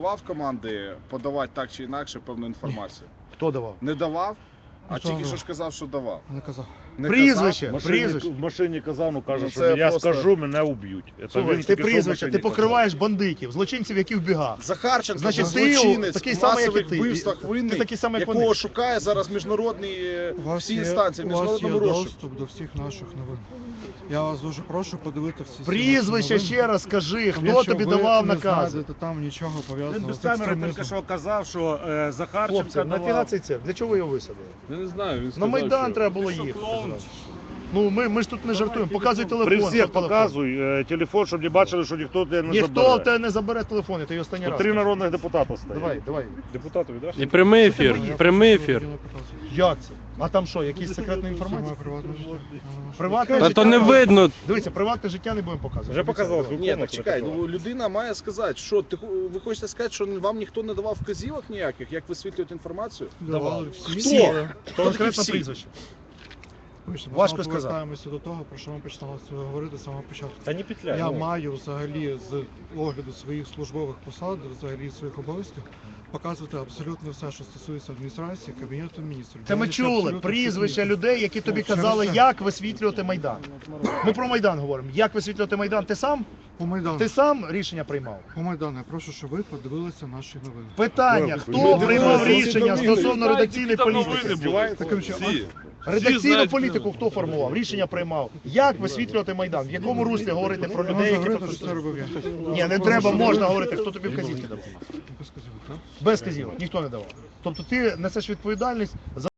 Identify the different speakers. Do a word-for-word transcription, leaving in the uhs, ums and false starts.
Speaker 1: Давав команди подавати так чи інакше певну інформацію?
Speaker 2: Хто давав?
Speaker 1: Не давав? А
Speaker 2: Хто
Speaker 1: тільки
Speaker 2: давав?
Speaker 1: що ж казав, що давав.
Speaker 2: Не казав.
Speaker 1: Не
Speaker 2: Прізвище,
Speaker 3: В машині,
Speaker 2: прізвище.
Speaker 3: в машині казав, ну каже,
Speaker 1: Ну,
Speaker 3: що
Speaker 1: це
Speaker 3: я
Speaker 1: просто-
Speaker 3: скажу, мене уб'ють. Це
Speaker 2: Слухай,
Speaker 3: він
Speaker 2: ти
Speaker 3: тільки що в
Speaker 2: прізвище,
Speaker 3: машині
Speaker 2: ти покриваєш бандитів, злочинців, які в бігах.
Speaker 1: казав. Захарченко,
Speaker 2: Значить, ти
Speaker 1: злочинець,
Speaker 2: такий
Speaker 1: в
Speaker 2: самий, як і
Speaker 1: масових
Speaker 2: ти.
Speaker 1: вбивствах
Speaker 2: Ти
Speaker 1: винний,
Speaker 2: такий самий, як
Speaker 1: якого
Speaker 2: вони.
Speaker 1: шукає зараз міжнародний, е,
Speaker 4: У вас
Speaker 1: всі
Speaker 4: є-
Speaker 1: інстанції, в
Speaker 4: у вас є
Speaker 1: міжнародному розшуку.
Speaker 4: доступ до всіх наших новин. Я вас дуже прошу подивити всі
Speaker 2: Прізвище
Speaker 4: наші
Speaker 2: ще раз скажи,
Speaker 4: новини.
Speaker 2: хто
Speaker 4: Якщо
Speaker 2: тобі
Speaker 4: ви
Speaker 2: давав
Speaker 4: не
Speaker 2: накази?
Speaker 4: знайдете там нічого
Speaker 3: Він
Speaker 4: пов'язаного
Speaker 3: без
Speaker 4: з
Speaker 3: камери тільки
Speaker 4: екстремізмом.
Speaker 3: що казав, що е, Захарченко
Speaker 2: Хлопці, нафіга
Speaker 3: давав.
Speaker 2: цей цирк? Для чого ви його висадили?
Speaker 5: Я не знаю, він
Speaker 2: На
Speaker 5: сказав,
Speaker 2: Майдан
Speaker 5: що...
Speaker 2: треба було їхати. зразу. Ну, ми, ми ж тут не жартуємо. Показуй телефон.
Speaker 3: При
Speaker 2: що
Speaker 3: всіх
Speaker 2: телефон.
Speaker 3: показуй е, телефон, щоб не бачили, що ніхто тебе не
Speaker 2: Ніхто в
Speaker 3: забере.
Speaker 2: тебе не забере телефон, я тобі останній
Speaker 3: Тут
Speaker 2: раз.
Speaker 3: три
Speaker 2: кажу.
Speaker 3: народних депутата стоять.
Speaker 2: Давай, давай.
Speaker 3: Депутатові, да?
Speaker 5: І прямий ефір,
Speaker 2: боїшся?
Speaker 5: прямий ефір.
Speaker 2: Як це? А там що, якісь секретна
Speaker 4: Це
Speaker 2: інформація?
Speaker 4: моє приватне життя.
Speaker 2: Приватне
Speaker 5: Та
Speaker 2: життя?
Speaker 5: то не видно.
Speaker 2: Дивіться, приватне життя не будемо показувати.
Speaker 3: Вже показали.
Speaker 2: Давай.
Speaker 1: Ні, так чекай, ну людина має сказати, що ти, ви хочете сказати, що вам ніхто не давав вказівок ніяких, як висвітлювати інформацію?
Speaker 4: Давали всі.
Speaker 2: Хто?
Speaker 4: але-
Speaker 1: Хто
Speaker 2: Конкретно
Speaker 1: всі?
Speaker 2: прізвище.
Speaker 4: Вибачте, ми
Speaker 2: Важко
Speaker 4: знову
Speaker 2: сказати.
Speaker 4: повертаємося до того, про що ми починали говорити з самого початку.
Speaker 3: Та не петляй.
Speaker 4: Я
Speaker 3: ну.
Speaker 4: маю взагалі з огляду своїх службових посад, взагалі своїх обов'язків, показувати абсолютно все, що стосується адміністрації, кабінету міністрів.
Speaker 2: Це ми
Speaker 4: Дивлюся
Speaker 2: чули
Speaker 4: абсолютно
Speaker 2: прізвища
Speaker 4: всі.
Speaker 2: людей, які тобі
Speaker 4: Ну, через
Speaker 2: казали,
Speaker 4: це.
Speaker 2: як висвітлювати Майдан. Ми про Майдан говоримо. Як висвітлювати Майдан? Ти сам?
Speaker 4: По Майдану.
Speaker 2: Ти сам рішення приймав?
Speaker 4: По Майдану, я прошу, щоб ви подивилися наші новини.
Speaker 2: Питання,
Speaker 3: Ви
Speaker 2: хто
Speaker 3: дивилися
Speaker 2: приймав
Speaker 3: всі
Speaker 2: рішення
Speaker 5: новини?
Speaker 2: стосовно редакційної
Speaker 5: Новини
Speaker 2: політики?
Speaker 5: були.
Speaker 4: Таким чином,
Speaker 5: Всі.
Speaker 2: Редакційну
Speaker 5: знають,
Speaker 2: політику хто формував? Рішення приймав. Як висвітлювати Майдан? В якому руслі говорити про людей,
Speaker 4: можна
Speaker 2: які
Speaker 4: говорити,
Speaker 2: тут...
Speaker 4: що це робив я.
Speaker 2: Ні, не треба, можна говорити, хто тобі вказівки давав.
Speaker 4: Без казівок, так?
Speaker 2: Без вказівок, ніхто не давав. Тобто ти несеш відповідальність за